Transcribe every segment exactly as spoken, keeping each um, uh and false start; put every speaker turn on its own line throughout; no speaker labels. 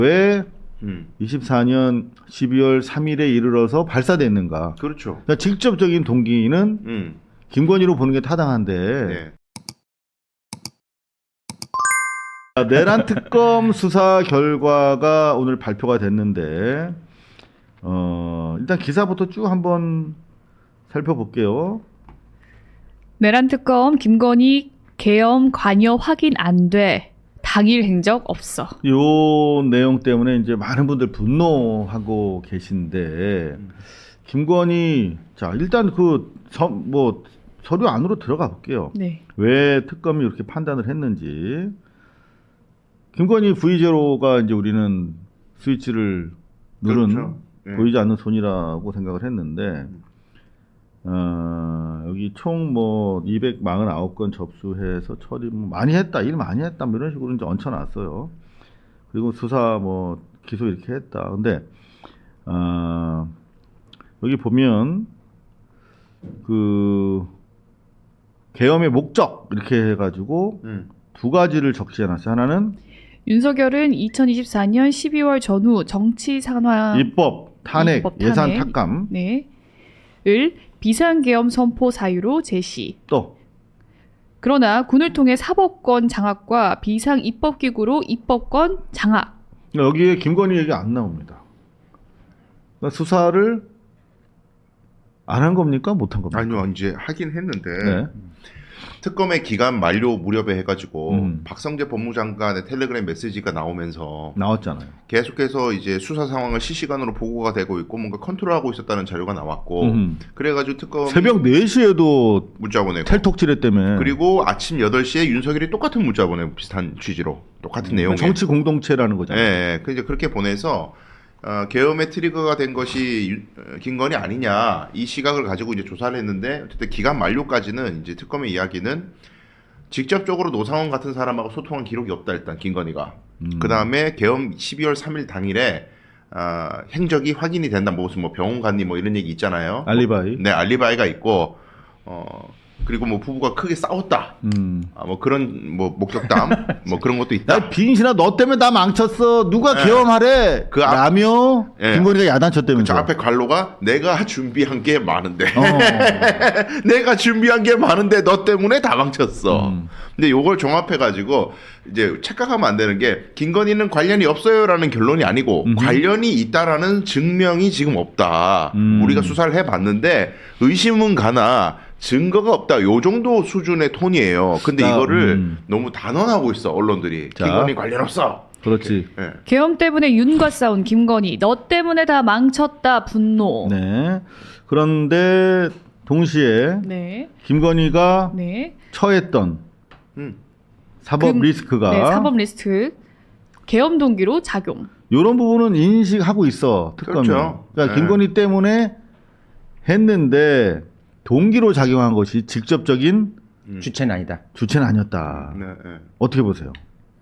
왜
음.
이십사 년 십이월 삼일에 이르러서 발사됐는가?
그렇죠.
그러니까 직접적인 동기는
음.
김건희로 보는 게 타당한데
네.
내란 특검 수사 결과가 오늘 발표가 됐는데 어, 일단 기사부터 쭉 한번 살펴볼게요.
내란 특검 김건희 계엄 관여 확인 안 돼. 당일 행적 없어.
요 내용 때문에 이제 많은 분들 분노하고 계신데 김건희 자 일단 그 뭐 서류 안으로 들어가 볼게요.
네.
왜 특검이 이렇게 판단을 했는지. 김건희 브이제로가 이제 우리는 스위치를 누른
그렇죠. 네.
보이지 않는 손이라고 생각을 했는데 어, 여기 총 뭐 이백사십구 건 접수해서 처리 뭐 많이 했다, 일 많이 했다, 뭐 이런 식으로 이제 얹혀놨어요. 그리고 수사 뭐 기소 이렇게 했다. 근데 어, 여기 보면 그 계엄의 목적 이렇게 해가지고
음.
두 가지를 적시해놨어요. 하나는
윤석열은 이천이십사 년 십이월 전후 정치 산화
입법, 탄핵,
입법, 탄핵.
예산 탁감.
네. 을 비상계엄 선포 사유로 제시.
또
그러나 군을 통해 사법권 장악과 비상 입법기구로 입법권 장악.
여기에 김건희 얘기 안 나옵니다. 그러니까 수사를 안 한 겁니까? 못 한 겁니까?
아니요, 이제 하긴 했는데
네.
특검의 기간 만료 무렵에 해가지고
음.
박성재 법무장관의 텔레그램 메시지가 나오면서
나왔잖아요.
계속해서 이제 수사 상황을 실시간으로 보고가 되고 있고 뭔가 컨트롤하고 있었다는 자료가 나왔고
음.
그래가지고 특검
새벽 네 시에도
문자 보내고
텔톡질했다며.
그리고 아침 여덟 시에 윤석열이 똑같은 문자 보내고 비슷한 취지로 똑같은 내용에
정치 공동체라는 거잖아요.
예, 예. 그 이제 그렇게 보내서 어, 계엄의 트리거가 된 것이 유- 어, 김건희 아니냐 이 시각을 가지고 이제 조사를 했는데 어쨌든 기간 만료까지는 이제 특검의 이야기는 직접적으로 노상원 같은 사람하고 소통한 기록이 없다 일단 김건희가
음.
그 다음에 계엄 십이월 삼일 당일에 어, 행적이 확인이 된다 뭐 무슨 뭐 병원 갔니 뭐 이런 얘기 있잖아요.
알리바이.
네 알리바이가 있고 어 그리고 뭐 부부가 크게 싸웠다.
음.
아, 뭐 그런 뭐 목격담 뭐 그런 것도 있다.
야 빈신아 너 때문에 나 망쳤어. 누가
네.
계엄하래.
그 앞-
라며
예.
김건희가 야단쳤다면서.
저 앞에 관로가 내가 준비한 게 많은데
어.
내가 준비한 게 많은데 너 때문에 다 망쳤어.
음.
근데 요걸 종합해 가지고 이제 착각하면 안 되는 게 김건희는 관련이 없어요라는 결론이 아니고
음흠.
관련이 있다라는 증명이 지금 없다.
음.
우리가 수사를 해 봤는데 의심은 가나 증거가 없다. 요 정도 수준의 톤이에요. 근데
자,
이거를
음.
너무 단언하고 있어 언론들이.
자.
김건희 관련 없어.
그렇지.
예.
계엄 때문에 윤과 싸운 김건희. 너 때문에 다 망쳤다. 분노.
네. 그런데 동시에
네.
김건희가
네.
처했던
음.
사법
금-
리스크가
네, 사법 리스트. 계엄 동기로 작용.
이런 부분은 인식하고 있어 특검이.
그렇죠.
그러니까
네.
김건희 때문에 했는데 동기로 작용한 것이 직접적인
음.
주체는 아니다.
주체는 아니었다.
네, 네.
어떻게 보세요?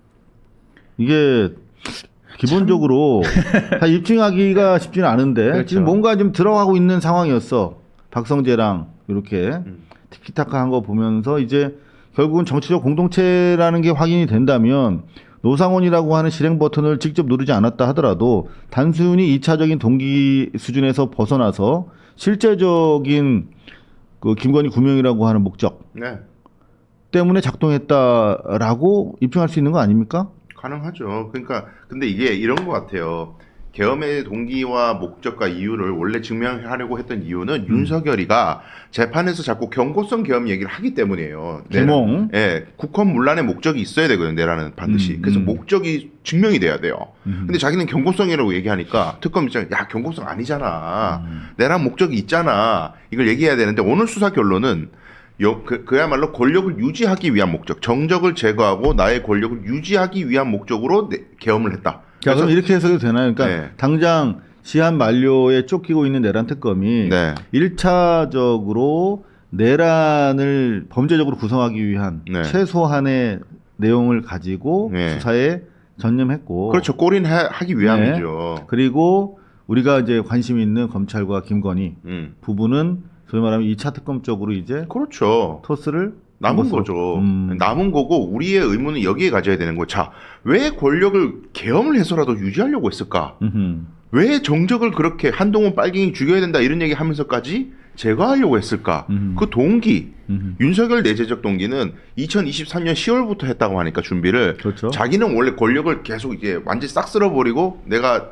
이게 기본적으로 다 입증하기가 쉽지는 않은데
그렇죠.
지금 뭔가 좀 들어가고 있는 상황이었어. 박성재랑 이렇게
음.
티키타카한 거 보면서 이제 결국은 정치적 공동체라는 게 확인이 된다면 노상원이라고 하는 실행 버튼을 직접 누르지 않았다 하더라도 단순히 이차적인 동기 수준에서 벗어나서 실제적인 그 김건희 구명이라고 하는 목적
네.
때문에 작동했다라고 입증할 수 있는 거 아닙니까?
가능하죠. 그러니까 근데 이게 이런 것 같아요. 계엄의 동기와 목적과 이유를 원래 증명하려고 했던 이유는
음.
윤석열이가 재판에서 자꾸 경고성 계엄 얘기를 하기 때문이에요.
개몽.
내란- 예, 국헌 문란의 목적이 있어야 되거든요. 내란은 반드시.
음,
그래서
음.
목적이 증명이 돼야 돼요.
음.
근데 자기는 경고성이라고 얘기하니까 특검 입장에 야 경고성 아니잖아.
음.
내란 목적이 있잖아. 이걸 얘기해야 되는데 오늘 수사 결론은 여, 그, 그야말로 권력을 유지하기 위한 목적, 정적을 제거하고 나의 권력을 유지하기 위한 목적으로 내, 계엄을 했다.
자, 그럼 이렇게 해석이 되나요? 그러니까
네.
당장 시한 만료에 쫓기고 있는 내란 특검이
네.
일차적으로 내란을 범죄적으로 구성하기 위한
네.
최소한의 내용을 가지고
네.
수사에 전념했고
그렇죠. 꼬린하기 위함이죠.
그리고 우리가 이제 관심 있는 검찰과 김건희
음.
부부는 소위 말하면 이차 특검 쪽으로 이제
그렇죠.
토스를
남은
것으로.
거죠.
음.
남은 거고 우리의 의문은 여기에 가져야 되는 거. 자, 왜 권력을 계엄을 해서라도 유지하려고 했을까?
음흠.
왜 정적을 그렇게 한동훈 빨갱이 죽여야 된다 이런 얘기 하면서까지 제거하려고 했을까?
음.
그 동기,
음흠.
윤석열 내재적 동기는 이천이십삼 년 시월부터 했다고 하니까 준비를
그렇죠.
자기는 원래 권력을 계속 이제 완전히 싹 쓸어버리고 내가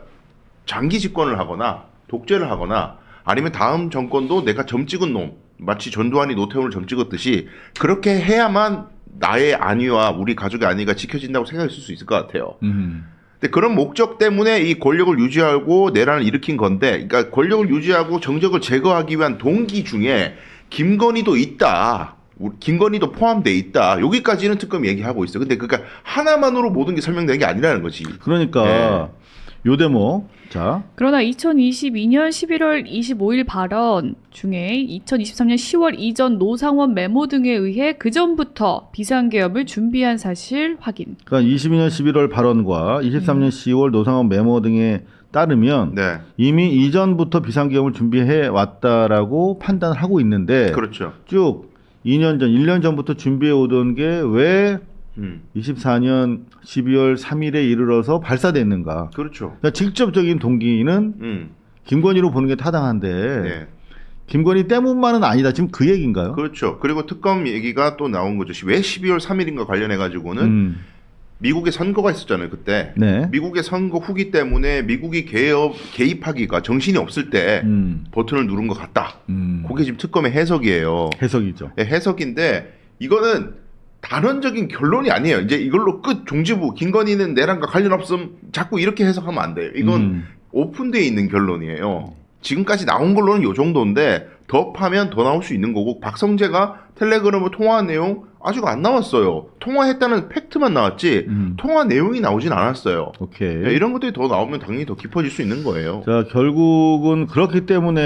장기 집권을 하거나 독재를 하거나 아니면 다음 정권도 내가 점 찍은 놈, 마치 전두환이 노태우를 점 찍었듯이 그렇게 해야만 나의 안위와 우리 가족의 안위가 지켜진다고 생각했을 수 있을 것 같아요.
음흠.
근데 그런 목적 때문에 이 권력을 유지하고 내란을 일으킨 건데, 그러니까 권력을 유지하고 정적을 제거하기 위한 동기 중에 김건희도 있다. 우리 김건희도 포함돼 있다. 여기까지는 특검이 얘기하고 있어. 근데 그러니까 하나만으로 모든 게 설명되는 게 아니라는 거지.
그러니까 요 대목. 자,
그러나 이천이십이 년 십일월 이십오일 발언 중에 이천이십삼 년 시월 이전 노상원 메모 등에 의해 그 전부터 비상계엄을 준비한 사실 확인.
그러니까 이십이 년 십일월 발언과 이십삼 년 시월 노상원 메모 등에 따르면
네,
이미 이전부터 비상계엄을 준비해 왔다라고 판단을 하고 있는데
그렇죠.
쭉 이 년 전, 일 년 전부터 준비해 오던 게 왜
음,
이십사 년 십이월 삼일에 이르러서 발사됐는가?
그렇죠.
그러니까 직접적인 동기는
음,
김건희로 보는 게 타당한데
네,
김건희 때문만은 아니다. 지금 그 얘기인가요?
그렇죠. 그리고 특검 얘기가 또 나온 거죠. 왜 십이월 삼일인가 관련해 가지고는
음,
미국에 선거가 있었잖아요. 그때
네.
미국의 선거 후기 때문에 미국이 개업 개입하기가 정신이 없을 때
음,
버튼을 누른 것 같다.
음.
그게 지금 특검의 해석이에요.
해석이죠.
네, 해석인데 이거는 단언적인 결론이 아니에요. 이제 이걸로 끝 종지부 김건희는 내란과 관련 없음 자꾸 이렇게 해석하면 안 돼요. 이건
음.
오픈되어 있는 결론이에요. 지금까지 나온 걸로는 요 정도인데 더 파면 더 나올 수 있는 거고 박성재가 텔레그램을 통화한 내용 아직 안 나왔어요. 통화했다는 팩트만 나왔지
음.
통화 내용이 나오진 않았어요.
오케이.
네, 이런 것들이 더 나오면 당연히 더 깊어질 수 있는 거예요.
자, 결국은 그렇기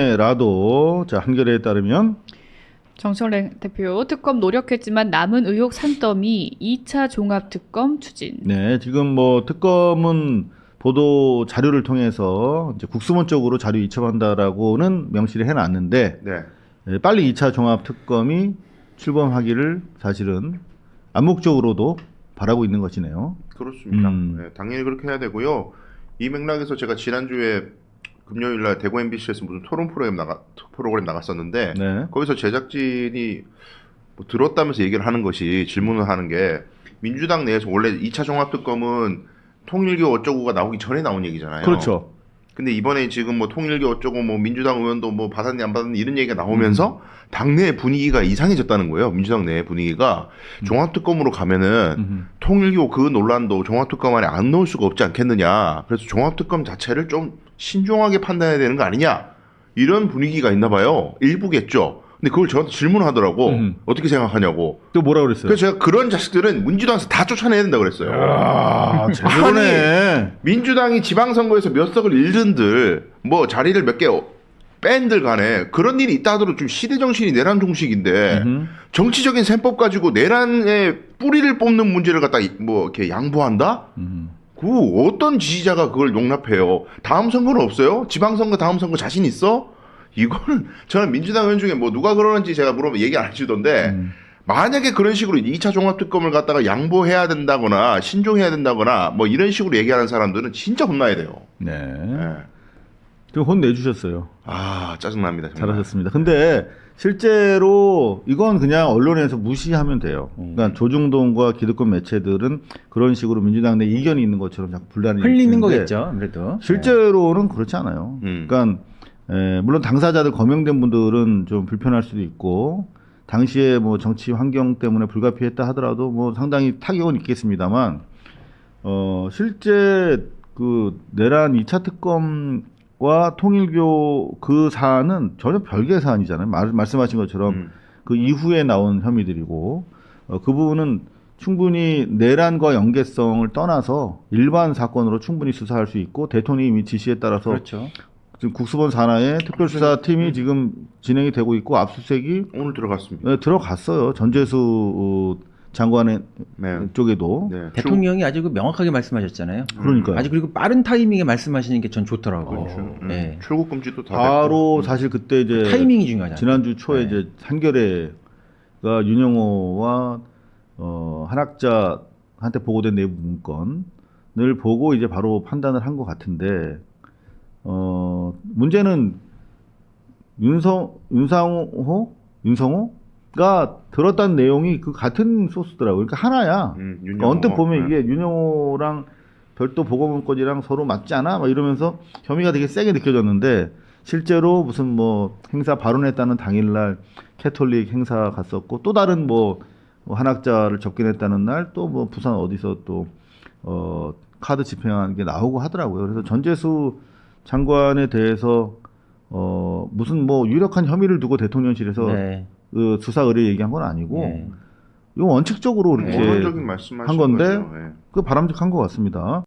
때문에라도 자, 한겨레에 따르면
정청래 대표 특검 노력했지만 남은 의혹 산더미 이 차 종합특검 추진.
네, 지금 뭐 특검은 보도 자료를 통해서 이제 국수본 쪽으로 자료 이첩한다라고는 명시를 해놨는데
네.
예, 빨리 이 차 종합 특검이 출범하기를 사실은 암묵적으로도 바라고 있는 것이네요.
그렇습니다.
음.
네, 당연히 그렇게 해야 되고요. 이 맥락에서 제가 지난주에 금요일 날 대구 엠비씨에서 무슨 토론 프로그램 나가 프로그램 나갔었는데
네.
거기서 제작진이 뭐 들었다면서 얘기를 하는 것이 질문을 하는 게 민주당 내에서 원래 이 차 종합특검은 통일교 어쩌고가 나오기 전에 나온 얘기잖아요.
그렇죠.
근데 이번에 지금 뭐 통일교 어쩌고 뭐 민주당 의원도 뭐 받았니 안 받았니 이런 얘기가 나오면서 당내 분위기가 이상해졌다는 거예요. 민주당 내 분위기가 종합특검으로 가면은
음.
통일교 그 논란도 종합특검 안에 안 넣을 수가 없지 않겠느냐. 그래서 종합특검 자체를 좀 신중하게 판단해야 되는 거 아니냐. 이런 분위기가 있나 봐요. 일부겠죠. 근데 그걸 저한테 질문하더라고.
음.
어떻게 생각하냐고.
또 뭐라 그랬어요?
그래서 제가 그런 자식들은 민주당에서 다 쫓아내야 된다고 그랬어요.
아, 제대로네.
민주당이 지방선거에서 몇 석을 잃은들 뭐 자리를 몇 개 뺀들 간에 그런 일이 있다 하더라도 좀 시대정신이 내란 종식인데
음흠.
정치적인 셈법 가지고 내란의 뿌리를 뽑는 문제를 갖다 뭐 이렇게 양보한다?
음.
그 어떤 지지자가 그걸 용납해요? 다음 선거는 없어요? 지방선거 다음 선거 자신 있어? 이거는 저는 민주당 의원 중에 뭐 누가 그러는지 제가 물어보면 얘기 안 해주던데
음.
만약에 그런 식으로 이 차 종합특검을 갖다가 양보해야 된다거나 신중해야 된다거나 뭐 이런 식으로 얘기하는 사람들은 진짜 혼나야 돼요.
네.
네.
좀 혼내주셨어요.
아 짜증납니다. 정말.
잘하셨습니다. 근데 실제로 이건 그냥 언론에서 무시하면 돼요. 그러니까 조중동과 기득권 매체들은 그런 식으로 민주당 내 이견이 있는 것처럼 자꾸 분란을
흘리는
일으키는데
거겠죠, 아무래도.
실제로는 그렇지 않아요.
음.
그러니까 에, 물론 당사자들 거명된 분들은 좀 불편할 수도 있고 당시에 뭐 정치 환경 때문에 불가피했다 하더라도 뭐 상당히 타격은 있겠습니다만 어 실제 그 내란 이 차 특검과 통일교 그 사안은 전혀 별개의 사안이잖아요. 말, 말씀하신 것처럼
음.
그 이후에 나온 혐의들이고 어, 그 부분은 충분히 내란과 연계성을 떠나서 일반 사건으로 충분히 수사할 수 있고 대통령이 지시에 따라서
그렇죠.
지금 국수본 산하의 특별수사팀이 지금 진행이 되고 있고 압수수색이
오늘 들어갔습니다.
네, 들어갔어요. 전재수 어, 장관의
네.
쪽에도.
네.
대통령이 아주 그 명확하게 말씀하셨잖아요.
그러니까요.
아주 그리고 빠른 타이밍에 말씀하시는 게 전 좋더라고요.
그렇죠. 음.
네.
출국 금지도 다
바로
됐고.
사실 그때 이제
타이밍이 중요하잖아요.
지난주 초에
네.
이제 한겨레 윤영호와 어, 한학자한테 보고된 내부 문건을 보고 이제 바로 판단을 한 것 같은데 어, 문제는 윤성 윤상호 윤성호가 들었다는 내용이 그 같은 소스더라고요. 그러니까 하나야.
음,
그러니까
윤영호.
언뜻 보면
네.
이게 윤영호랑 별도 보고 문건이랑 서로 맞지 않아? 막 이러면서 혐의가 되게 세게 느껴졌는데 실제로 무슨 뭐 행사 발언했다는 당일날 캐톨릭 행사 갔었고 또 다른 뭐, 뭐 한학자를 접견했다는 날 또 뭐 부산 어디서 또 어, 카드 집행한 게 나오고 하더라고요. 그래서 전재수 장관에 대해서 어, 무슨 뭐 유력한 혐의를 두고 대통령실에서
네.
그 수사 의뢰 얘기한 건 아니고
예.
이거 원칙적으로 이렇게
원론적인 말씀하신
한 건데
거죠. 예.
그 바람직한 것 같습니다.